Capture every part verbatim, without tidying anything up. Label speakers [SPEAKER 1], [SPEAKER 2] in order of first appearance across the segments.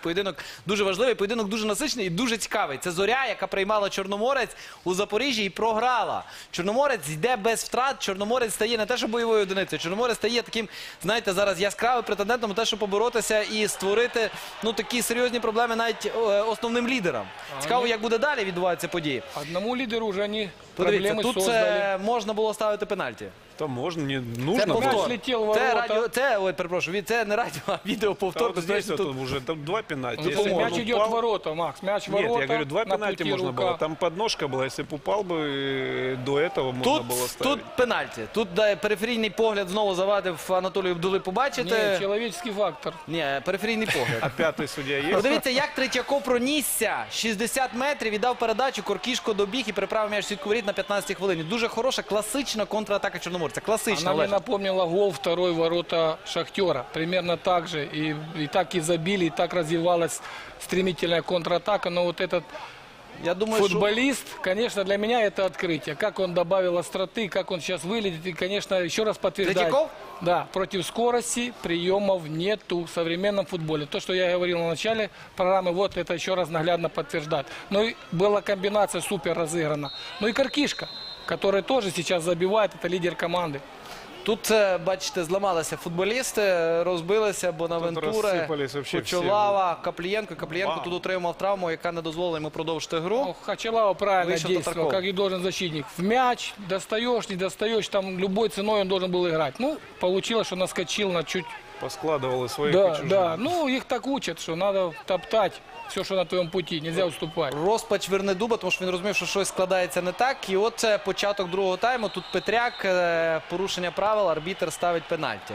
[SPEAKER 1] поєдинок дуже важливий, поєдинок дуже насичений і дуже цікавий. Це Зоря, яка приймала Чорноморець у Запоріжжі і програла. Чорноморець йде без втрат, Чорноморець стає не те, що бойовою одиницею, Чорноморець стає таким, знаєте, зараз яскравим претендентом на те, щоб поборотися і створити, ну, такі серйозні проблеми навіть е, основним лідерам. Цікаво, як буде далі відбуватися події.
[SPEAKER 2] Одному лідеру вже вони
[SPEAKER 1] Подивіться,
[SPEAKER 2] проблеми
[SPEAKER 1] тут
[SPEAKER 2] создали.
[SPEAKER 1] це можна було ставити пенальті.
[SPEAKER 3] Там можно, не
[SPEAKER 1] Це
[SPEAKER 3] нужно.
[SPEAKER 2] повтор.
[SPEAKER 1] повтор.
[SPEAKER 2] Летів в
[SPEAKER 1] Це
[SPEAKER 2] ворота.
[SPEAKER 1] радіо, це, ой, перепрошую, це не радіо, а відеоповтор.
[SPEAKER 3] Да, вот здесь
[SPEAKER 1] Безперечно,
[SPEAKER 3] вот
[SPEAKER 1] тут-
[SPEAKER 3] уже там два пенальти.
[SPEAKER 2] Ну,
[SPEAKER 3] Если бы
[SPEAKER 2] мяч
[SPEAKER 3] он
[SPEAKER 2] идет
[SPEAKER 3] упал-
[SPEAKER 2] в ворота, Макс. Мяч в ворота.
[SPEAKER 3] Нет, я говорю, два
[SPEAKER 2] на
[SPEAKER 3] пенальти
[SPEAKER 2] пути
[SPEAKER 3] можно
[SPEAKER 2] рука.
[SPEAKER 3] было. Там подножка была, если бы упал бы, э, до этого можно
[SPEAKER 1] Тут,
[SPEAKER 3] было ставить.
[SPEAKER 1] тут пенальті. Тут да, периферійний погляд знову завадив Анатолію Бдули побачити.
[SPEAKER 2] Ні, чоловічний фактор.
[SPEAKER 1] Ні, периферійний погляд.
[SPEAKER 3] А пятый судья есть?
[SPEAKER 1] Подивіться, як Третьяков пронісся. шістдесят метрів, віддав передачу, Коркішко добіг і переправив м'яч в сітку воріт на п'ятнадцятій хвилині. Дуже хороша, класична контратака Чорноморця. Класична,
[SPEAKER 2] Она мне
[SPEAKER 1] Олеже.
[SPEAKER 2] напомнила гол второй ворота Шахтера. Примерно так же. И, и так и забили, и так развивалась стремительная контратака. Но вот этот
[SPEAKER 1] Я думаю, що...
[SPEAKER 2] футболист, конечно, для меня это открытие. Как он добавил остроты, как он сейчас выглядит. И, конечно, еще раз подтверждает.
[SPEAKER 1] Третьяков?
[SPEAKER 2] Да, против скорости приемов нету в современном футболе. То, что я говорил на начале программы, вот это еще раз наглядно подтверждает. Ну и была комбинация супер разыграна. Ну и Коркишко, который тоже сейчас забивает, это лидер команды.
[SPEAKER 1] Тут, е, бачите, зламалися футболісти, розбилися Бонавентура,
[SPEAKER 3] розсипались вообще всі.
[SPEAKER 1] Кочолава, Каплієнко. Каплієнко
[SPEAKER 3] Бам.
[SPEAKER 1] тут отримав травму, яка не дозволила йому продовжити гру.
[SPEAKER 2] Ну, Хачалава правильно
[SPEAKER 1] Вышел
[SPEAKER 2] действовал,
[SPEAKER 1] Татарков.
[SPEAKER 2] как и должен защитник. В мяч достаешь, не достаешь, там любой ценой он должен был играть. Ну, получилось, что наскочил на чуть...
[SPEAKER 3] Поскладывал и своих, и
[SPEAKER 2] Да,
[SPEAKER 3] чужих.
[SPEAKER 2] да, ну их так учат, что надо топтать все, что на твоем пути, нельзя уступать.
[SPEAKER 1] Розпач Вернедуба, тому що він розумів, що щось складається не так. І от це початок другого тайму. Тут Петряк, е, порушення правил, арбітр ставить пенальті.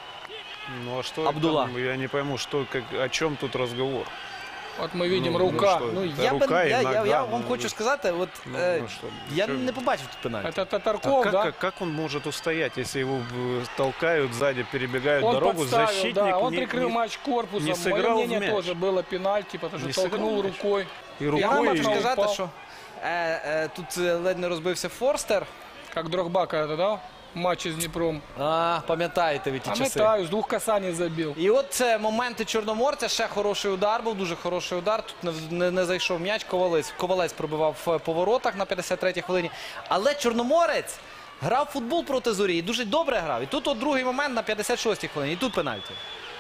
[SPEAKER 3] Ну а что
[SPEAKER 1] Абдулла.
[SPEAKER 3] там, я не пойму, что, как, о чем тут разговор.
[SPEAKER 2] Вот мы видим
[SPEAKER 3] Ну,
[SPEAKER 2] рука.
[SPEAKER 3] ну,
[SPEAKER 1] Ну,
[SPEAKER 3] Та
[SPEAKER 1] я,
[SPEAKER 3] рука
[SPEAKER 1] би,
[SPEAKER 3] і
[SPEAKER 1] я, я,
[SPEAKER 3] нога,
[SPEAKER 1] я вам
[SPEAKER 3] ну,
[SPEAKER 1] хочу сказати, от,
[SPEAKER 3] ну,
[SPEAKER 1] е,
[SPEAKER 3] ну, що,
[SPEAKER 1] я
[SPEAKER 3] що?
[SPEAKER 1] не побачив тут пенальті.
[SPEAKER 2] Это
[SPEAKER 3] А
[SPEAKER 2] Татарков,
[SPEAKER 3] как,
[SPEAKER 2] да?
[SPEAKER 3] как, как он может устоять, если его э, толкают сзади, перебегают
[SPEAKER 2] Он
[SPEAKER 3] дорогу,
[SPEAKER 2] подставил,
[SPEAKER 3] защитник
[SPEAKER 2] да, он
[SPEAKER 3] не-
[SPEAKER 2] прикрыл
[SPEAKER 3] не-
[SPEAKER 2] матч корпусом.
[SPEAKER 3] не
[SPEAKER 2] Мое
[SPEAKER 3] сыграл в
[SPEAKER 2] мнение
[SPEAKER 3] мяч.
[SPEAKER 2] тоже было пенальти, потому что
[SPEAKER 3] Не
[SPEAKER 2] толкнул
[SPEAKER 3] сыграл в мяч.
[SPEAKER 2] рукой.
[SPEAKER 3] и
[SPEAKER 1] Я
[SPEAKER 3] рукой,
[SPEAKER 1] вам
[SPEAKER 2] Рукой
[SPEAKER 1] хочу
[SPEAKER 2] і-
[SPEAKER 1] сказати,
[SPEAKER 2] впав.
[SPEAKER 1] що е, е, тут е, ледь не розбився Форстер.
[SPEAKER 2] Как Дрогба когда-то, да? Матч с Днепром.
[SPEAKER 1] А, пам'ятаєте ви ті часи.
[SPEAKER 2] Пам'ятаю, з двох касаний забив.
[SPEAKER 1] І от це моменти Чорноморця. Ще хороший удар був, дуже хороший удар. Тут не, не, не зайшов м'яч. Ковалець, Ковалець пробивав е, по воротах на п'ятдесят третій хвилині. Але Чорноморець грав в футбол проти Зорі і дуже добре грав. І тут от другий момент на п'ятдесят шостій хвилині. І тут пенальті.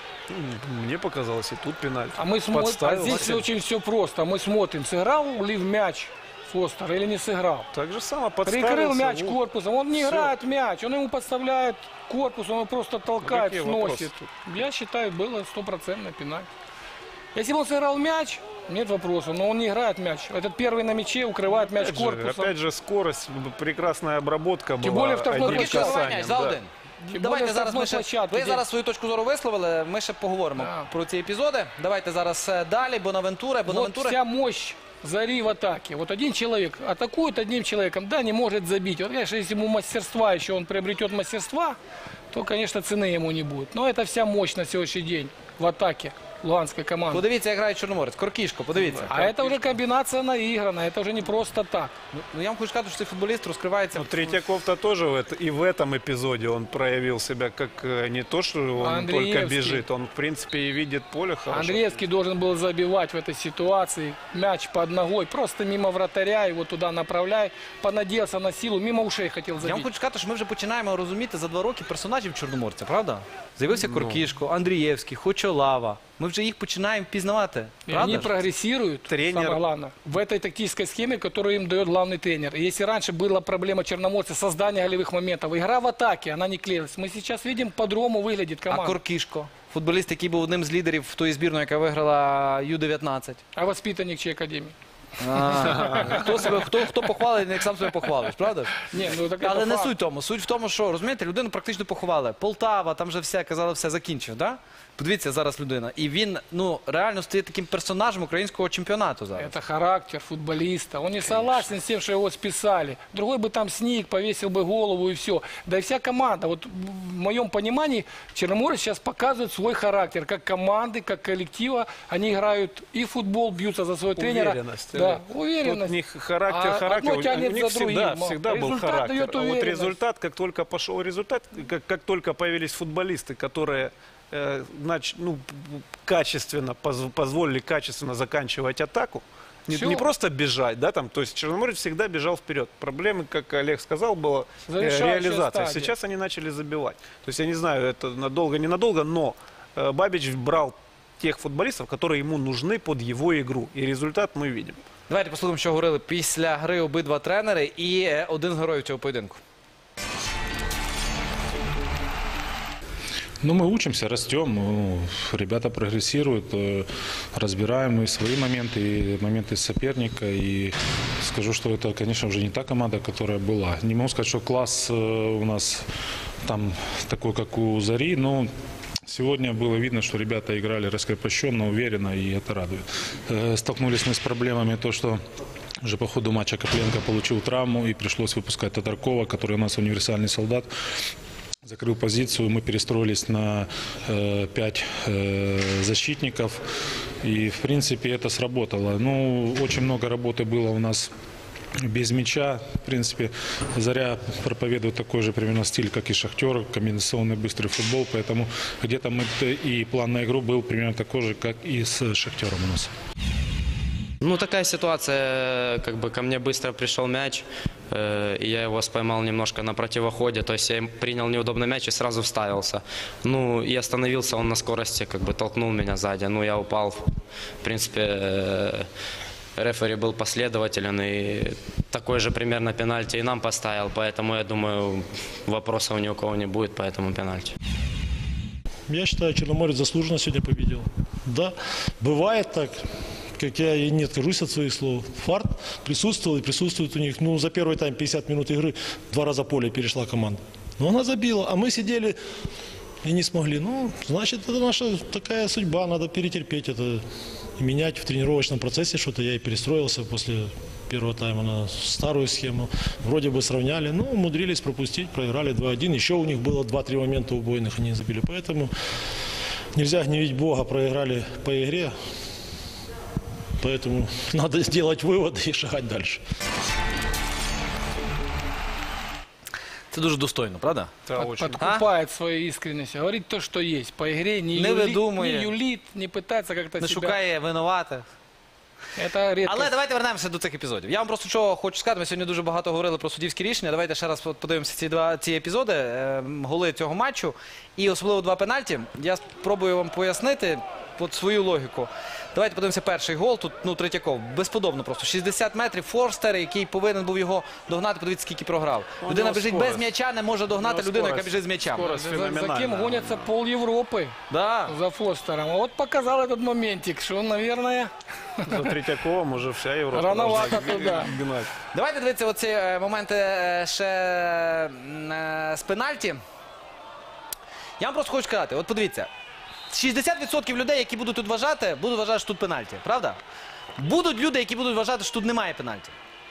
[SPEAKER 3] Мне показалось, и тут пенальти.
[SPEAKER 2] А мы смотрим, а
[SPEAKER 3] Подставил.
[SPEAKER 2] здесь очень все просто. Мы смотрим, сыграл ли в мяч Фостер или не сыграл.
[SPEAKER 3] Так же само
[SPEAKER 2] Прикрыл
[SPEAKER 3] подставился.
[SPEAKER 2] мяч
[SPEAKER 3] вот.
[SPEAKER 2] корпусом, он не
[SPEAKER 3] Всё.
[SPEAKER 2] играет мяч, он ему подставляет корпус, он его просто толкает,
[SPEAKER 3] какие
[SPEAKER 2] сносит.
[SPEAKER 3] вопросы
[SPEAKER 2] Я считаю, было стопроцентный пенальти. Если бы он сыграл мяч, нет вопросов, но он не играет мяч. Этот первый на мяче укрывает мяч
[SPEAKER 3] Опять же,
[SPEAKER 2] корпусом.
[SPEAKER 3] опять же, скорость, прекрасная обработка
[SPEAKER 2] Тем
[SPEAKER 3] была.
[SPEAKER 2] более в штрафной
[SPEAKER 3] одним
[SPEAKER 2] площадке.
[SPEAKER 1] Коркішко
[SPEAKER 3] касанием,
[SPEAKER 1] за
[SPEAKER 3] да.
[SPEAKER 1] один.
[SPEAKER 2] Тим
[SPEAKER 1] Давайте
[SPEAKER 2] більше
[SPEAKER 1] зараз ми
[SPEAKER 2] штрафної
[SPEAKER 1] ще...
[SPEAKER 2] площадки,
[SPEAKER 1] Ви
[SPEAKER 2] де-
[SPEAKER 1] зараз свою точку зору висловили, ми ще поговоримо
[SPEAKER 2] Да.
[SPEAKER 1] про ці епізоди. Давайте зараз е, далі. Бонавентура.
[SPEAKER 2] Вот
[SPEAKER 1] Бонавентура.
[SPEAKER 2] вся мощь Зари в атаке. Вот один человек атакует одним человеком, да, не может забить. Вот, конечно, если ему мастерства, еще он приобретет мастерства, то, конечно, цены ему не будет. Но это вся мощь на сегодняшний день в атаке луганской команды.
[SPEAKER 1] Подивіться, як грає Чорноморець. Коркішко, подивіться.
[SPEAKER 2] А это уже комбинация наиграна, это уже не просто так.
[SPEAKER 1] Ну, ну, я вам хочу сказати, що цей футболіст розкривається.
[SPEAKER 3] Ну, Третьяков-то тоже в это- и в этом эпизоде он проявил себя как э, не то, что он
[SPEAKER 2] Андреевский.
[SPEAKER 3] только бежит, он в принципе и видит поле хорошо.
[SPEAKER 2] Андреевский должен был забивать в этой ситуации. Мяч под ногой, просто мимо вратаря, его туда направляй. Понадеялся на силу, мимо ушей хотел
[SPEAKER 1] Я вам
[SPEAKER 2] забить.
[SPEAKER 1] хочу сказати, що ми вже починаємо розуміти за два роки персонажів Чорноморця, правда? З'явився Коркішко, Андрієвський, Хочолава. Ми вже їх починаємо впізнавати.
[SPEAKER 2] И
[SPEAKER 1] Правда?
[SPEAKER 2] они
[SPEAKER 1] ж?
[SPEAKER 2] прогрессируют,
[SPEAKER 3] Тренер.
[SPEAKER 2] самое главное, в этой тактической схеме, которую им дает главный тренер. И если раньше была проблема Черноморца, создание голевых моментов, игра в атаке, она не клеилась. Мы сейчас видим, по-другому выглядит
[SPEAKER 1] А
[SPEAKER 2] команда.
[SPEAKER 1] Коркішко, футболіст, який був одним з лідерів тої збірної, яка виграла ю дев'ятнадцять.
[SPEAKER 2] А воспитанник чьей академии?
[SPEAKER 1] А, Хто себе, хто, хто похвалить, як сам себе похвалиш, правда ж?
[SPEAKER 2] Не, ну так
[SPEAKER 1] Але
[SPEAKER 2] это
[SPEAKER 1] не
[SPEAKER 2] факт.
[SPEAKER 1] суть в тому. Суть в тому, що, розумієте, людину практично поховали. Полтава, там вже все, казали, все закінчив, да? Подивіться зараз людина. І він, ну, реально стає таким персонажем українського чемпіонату зараз.
[SPEAKER 2] Это характер футболиста. Он не согласен с тем, что его списали. Другой бы там сник, повесил бы голову и все. Да и вся команда. Вот в моем понимании Черноморец сейчас показывает свой характер. Как команды, как коллектива. Они играют и в футбол, бьются за своего тренера.
[SPEAKER 3] Уверенность.
[SPEAKER 2] Да,
[SPEAKER 3] Тут
[SPEAKER 2] уверенность.
[SPEAKER 3] у них характер,
[SPEAKER 2] А
[SPEAKER 3] характер.
[SPEAKER 2] одно
[SPEAKER 3] У-
[SPEAKER 2] тянет
[SPEAKER 3] у них
[SPEAKER 2] за другим.
[SPEAKER 3] всегда,
[SPEAKER 2] Ма.
[SPEAKER 3] всегда был
[SPEAKER 2] Результат
[SPEAKER 3] характер.
[SPEAKER 2] дает
[SPEAKER 3] А вот
[SPEAKER 2] уверенность.
[SPEAKER 3] результат, как только пошел результат, как, как только появились футболисты, которые э, нач- ну, п- п- качественно, поз- позволили качественно заканчивать атаку. Не,
[SPEAKER 2] Всё.
[SPEAKER 3] не просто бежать, да, там, то есть Черноморец всегда бежал вперед. Проблемы, как Олег сказал, была э,
[SPEAKER 2] Завершающая
[SPEAKER 3] реализация.
[SPEAKER 2] стадия.
[SPEAKER 3] Сейчас они начали забивать. То есть я не знаю, это надолго, ненадолго, но э, Бабич брал тех футболистов, которые ему нужны под его игру. И результат мы видим.
[SPEAKER 1] Давайте послухаємо, що говорили після гри обидва тренери і е, один з героїв цього поєдинку.
[SPEAKER 4] Ну, мы учимся, растем, ну, ребята прогрессируют, э, разбираем и свои моменты, и моменты соперника. И скажу, что это, конечно, уже не та команда, которая была. Не могу сказать, что класс э, у нас там такой, как у Зари, но сегодня было видно, что ребята играли раскрепощенно, уверенно, и это радует. Э, Столкнулись мы с проблемами, то, что уже по ходу матча Копленко получил травму, и пришлось выпускать Татаркова, который у нас универсальный солдат. Закрыл позицию, мы перестроились на э, пять э, защитников, и в принципе это сработало. Ну, очень много работы было у нас без мяча. В принципе, Заря проповедует такой же примерно стиль, как и Шахтер, комбинационный быстрый футбол, поэтому где-то мы и план на игру был примерно такой же, как и с Шахтером у нас.
[SPEAKER 5] Ну, такая ситуация, как бы ко мне быстро пришел мяч, э, и я его споймал немножко на противоходе, то есть я им принял неудобный мяч и сразу вставился. Ну, и остановился он на скорости, как бы толкнул меня сзади, ну, я упал. В принципе, э, рефери был последователен, и такой же примерно пенальти и нам поставил, поэтому, я думаю, вопросов ни у кого не будет по этому пенальти.
[SPEAKER 6] Я считаю, Черноморец заслуженно сегодня победил. Да, бывает так, как я и не откажусь от своих слов. Фарт присутствовал и присутствует у них. Ну, за первый тайм пятьдесят минут игры два раза поле перешла команда. Но она забила, а мы сидели и не смогли. Ну, значит, это наша такая судьба, надо перетерпеть это и менять в тренировочном процессе что-то. Я и перестроился после первого тайма на старую схему. Вроде бы сравняли, но умудрились пропустить, проиграли два один. Еще у них было два-три момента убойных, они забили. Поэтому нельзя гневить Бога, проиграли по игре. Поэтому надо сделать выводы и шагать дальше.
[SPEAKER 1] Це дуже достойно, правда?
[SPEAKER 3] Это
[SPEAKER 2] Под-
[SPEAKER 3] очень.
[SPEAKER 2] подкупает своей искренностью. Говорит то, что есть. По игре не,
[SPEAKER 1] Не
[SPEAKER 2] юлит,
[SPEAKER 1] выдумывая.
[SPEAKER 2] не юлит, не пытается как-то
[SPEAKER 1] Не
[SPEAKER 2] себя...
[SPEAKER 1] шукає винуватих.
[SPEAKER 2] Это редко.
[SPEAKER 1] Але давайте вернемося до цих епізодів. Я вам просто що хочу сказати, ми сьогодні дуже багато говорили про суддівські рішення. Давайте ще раз подивимося ці два ці епізоди, е, голи цього матчу. І особливо два пенальті. Я спробую вам пояснити от свою логіку. Давайте подивимося перший гол. Тут, ну, Третьяков. Безподобно просто. шістдесят метрів. Форстер, який повинен був його догнати. Подивіться, скільки програв.
[SPEAKER 3] У
[SPEAKER 1] Людина
[SPEAKER 3] нього
[SPEAKER 1] біжить
[SPEAKER 3] скорость.
[SPEAKER 1] без м'яча, не може догнати
[SPEAKER 3] У нього
[SPEAKER 1] людину, яка
[SPEAKER 3] скорость.
[SPEAKER 1] біжить з м'ячем.
[SPEAKER 3] Скорость.
[SPEAKER 2] За, за кем
[SPEAKER 3] феноменально.
[SPEAKER 2] гонятся пол Европы
[SPEAKER 1] Да.
[SPEAKER 2] за Фостером. А вот показал этот моментик, что, наверное,
[SPEAKER 3] За Третьяковым уже вся Европа
[SPEAKER 2] Рановато
[SPEAKER 3] должна
[SPEAKER 2] туда.
[SPEAKER 3] гнать.
[SPEAKER 1] Давайте дивитися оці е, моменти е, ще м, е, з пенальті. Я вам просто хочу сказати, от подивіться, шістдесят відсотків людей, які будуть тут вважати, будуть вважати, що тут пенальті, правда? Будуть люди, які будуть вважати, що тут немає пенальті.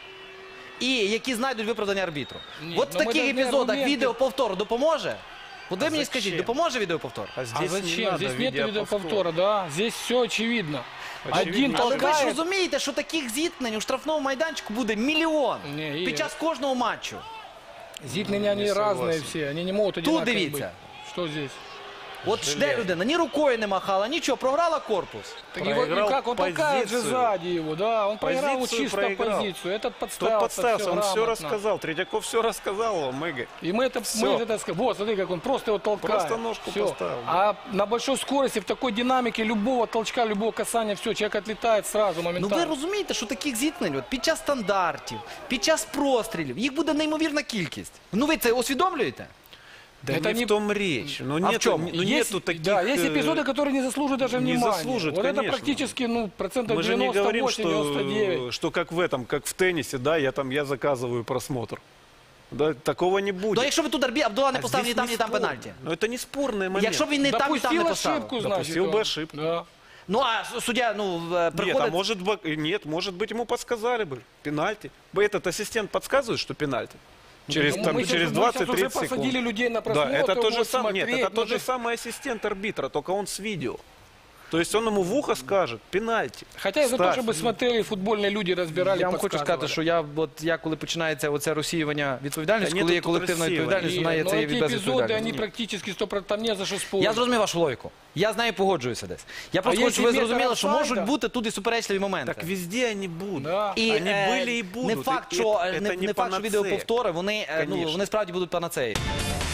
[SPEAKER 1] І які знайдуть виправдання арбітру.
[SPEAKER 2] Ні,
[SPEAKER 1] От в
[SPEAKER 2] ну ми
[SPEAKER 1] таких
[SPEAKER 2] должны
[SPEAKER 1] епізодах
[SPEAKER 2] аргументи.
[SPEAKER 1] відеоповтор допоможе? От ви мені
[SPEAKER 3] зачем?
[SPEAKER 1] скажіть, допоможе відеоповтор?
[SPEAKER 3] А
[SPEAKER 2] а
[SPEAKER 3] здесь не
[SPEAKER 2] зачем?
[SPEAKER 3] надо
[SPEAKER 2] Здесь нет
[SPEAKER 3] видеоповтора.
[SPEAKER 2] видеоповтора, да. Здесь все очевидно.
[SPEAKER 3] Очевидно.
[SPEAKER 2] Один
[SPEAKER 1] Але ви ж
[SPEAKER 2] толкает.
[SPEAKER 1] розумієте, що таких зіткнень у штрафному майданчику буде мільйон
[SPEAKER 2] Ні,
[SPEAKER 1] під
[SPEAKER 2] Ігор.
[SPEAKER 1] час кожного матчу.
[SPEAKER 2] Зитные они
[SPEAKER 3] Не
[SPEAKER 2] разные
[SPEAKER 3] согласен.
[SPEAKER 2] все, они не могут одинаковые
[SPEAKER 1] дивіться.
[SPEAKER 2] быть. Что здесь?
[SPEAKER 1] От ж де людина, ні рукою не махала, нічого, програла корпус.
[SPEAKER 2] Так его, и
[SPEAKER 3] Проиграл
[SPEAKER 2] как он толкает же
[SPEAKER 3] позицию.
[SPEAKER 2] сзади его, да, он проиграл вот
[SPEAKER 3] Позицию
[SPEAKER 2] чисто
[SPEAKER 3] проиграл.
[SPEAKER 2] позицию, этот
[SPEAKER 3] Тот
[SPEAKER 2] подставился,
[SPEAKER 3] подставился, он все
[SPEAKER 2] грамотно.
[SPEAKER 3] рассказал. Третьяков все рассказал вам, Игорь.
[SPEAKER 2] И мы это,
[SPEAKER 3] Всё.
[SPEAKER 2] мы это сказали, вот смотри, как он просто его толкает.
[SPEAKER 3] Просто ножку
[SPEAKER 2] Всё.
[SPEAKER 3] поставил, да.
[SPEAKER 2] А на большой скорости, в такой динамике любого толчка, любого касания, все, человек отлетает сразу,
[SPEAKER 1] Ну ви
[SPEAKER 2] моментально.
[SPEAKER 1] розумієте, що таких зіткнень от, під час стандартів, під час прострілів, їх буде неймовірна кількість. Ну ви це усвідомлюєте?
[SPEAKER 3] Да
[SPEAKER 2] Это
[SPEAKER 3] не,
[SPEAKER 2] не-
[SPEAKER 3] в том речь. Ну,
[SPEAKER 1] А в
[SPEAKER 3] нету,
[SPEAKER 1] чем?
[SPEAKER 3] ну,
[SPEAKER 2] есть,
[SPEAKER 3] нету таких...
[SPEAKER 2] да, есть
[SPEAKER 3] э,
[SPEAKER 2] эпизоды, которые не заслуживают даже
[SPEAKER 3] не
[SPEAKER 2] внимания.
[SPEAKER 3] заслуживают,
[SPEAKER 2] вот это
[SPEAKER 3] конечно.
[SPEAKER 2] практически, ну, процентов
[SPEAKER 3] Мы же не говорим,
[SPEAKER 2] девяносто восемь девяносто девять.
[SPEAKER 3] что, что как в этом, как в теннисе, да, я там, я заказываю просмотр. Да, такого не будет.
[SPEAKER 1] Ну якщо ви тут Арбі Абдула не
[SPEAKER 3] А
[SPEAKER 1] поставив ні
[SPEAKER 3] здесь
[SPEAKER 1] там, ні там
[SPEAKER 3] спорно.
[SPEAKER 1] пенальті.
[SPEAKER 3] Но это не спорный момент.
[SPEAKER 1] Якщо б він не там, ні там не
[SPEAKER 2] Допустил
[SPEAKER 1] поставив.
[SPEAKER 2] ошибку, значит.
[SPEAKER 3] Допустил бы
[SPEAKER 2] он.
[SPEAKER 3] ошибку.
[SPEAKER 2] Да.
[SPEAKER 1] Ну а суддя, ну, е,
[SPEAKER 3] Нет, а
[SPEAKER 1] приходить...
[SPEAKER 3] может быть, нет, может быть, ему подсказали бы пенальти. Бы этот ассистент подсказывает, что пенальти. Через,
[SPEAKER 2] Ну,
[SPEAKER 3] там,
[SPEAKER 2] мы сейчас-
[SPEAKER 3] через
[SPEAKER 2] мы сейчас уже
[SPEAKER 3] двадцать-тридцать секунд.
[SPEAKER 2] посадили людей на
[SPEAKER 3] Да,
[SPEAKER 2] просмотр,
[SPEAKER 3] это тот же
[SPEAKER 2] вот
[SPEAKER 3] самый, нет,
[SPEAKER 2] смотреть,
[SPEAKER 3] это тот
[SPEAKER 2] ну,
[SPEAKER 3] же
[SPEAKER 2] то есть-
[SPEAKER 3] самый ассистент арбитра, только он с видео. То есть он ему в ухо скажет, пенальти.
[SPEAKER 2] Хотя я за то,
[SPEAKER 3] ставь.
[SPEAKER 2] чтобы смотрели, футбольные люди разбирали,
[SPEAKER 1] Я вам хочу
[SPEAKER 2] подсказывали.
[SPEAKER 1] сказати, що я, от, я коли починається оце розсіювання відповідальності,
[SPEAKER 3] Та
[SPEAKER 1] коли
[SPEAKER 3] ні,
[SPEAKER 1] є
[SPEAKER 3] тут
[SPEAKER 1] колективна
[SPEAKER 3] розсіювання.
[SPEAKER 1] відповідальність, вона є
[SPEAKER 2] Но
[SPEAKER 1] це є
[SPEAKER 2] эти
[SPEAKER 1] без
[SPEAKER 2] эпизоды,
[SPEAKER 1] відповідальності.
[SPEAKER 2] они практически сто процентов, там не за что спорить.
[SPEAKER 1] Я зрозумів вашу логіку. Я з нею погоджуюся десь. Я просто
[SPEAKER 2] А
[SPEAKER 1] хочу, щоб ви
[SPEAKER 2] якщо метр
[SPEAKER 1] зрозуміли, що
[SPEAKER 2] офсайда?
[SPEAKER 1] можуть бути тут і суперечливі моменти.
[SPEAKER 3] Так везде они будут.
[SPEAKER 2] Да.
[SPEAKER 1] І
[SPEAKER 3] Они
[SPEAKER 1] е,
[SPEAKER 3] были и будут.
[SPEAKER 1] не факт,
[SPEAKER 3] И
[SPEAKER 1] що,
[SPEAKER 3] это-
[SPEAKER 1] не,
[SPEAKER 3] это
[SPEAKER 1] не
[SPEAKER 3] не
[SPEAKER 1] факт, що
[SPEAKER 3] панацея.
[SPEAKER 1] відеоповтори, вони, е, ну,
[SPEAKER 3] Конечно.
[SPEAKER 1] вони справді будуть панацеєю.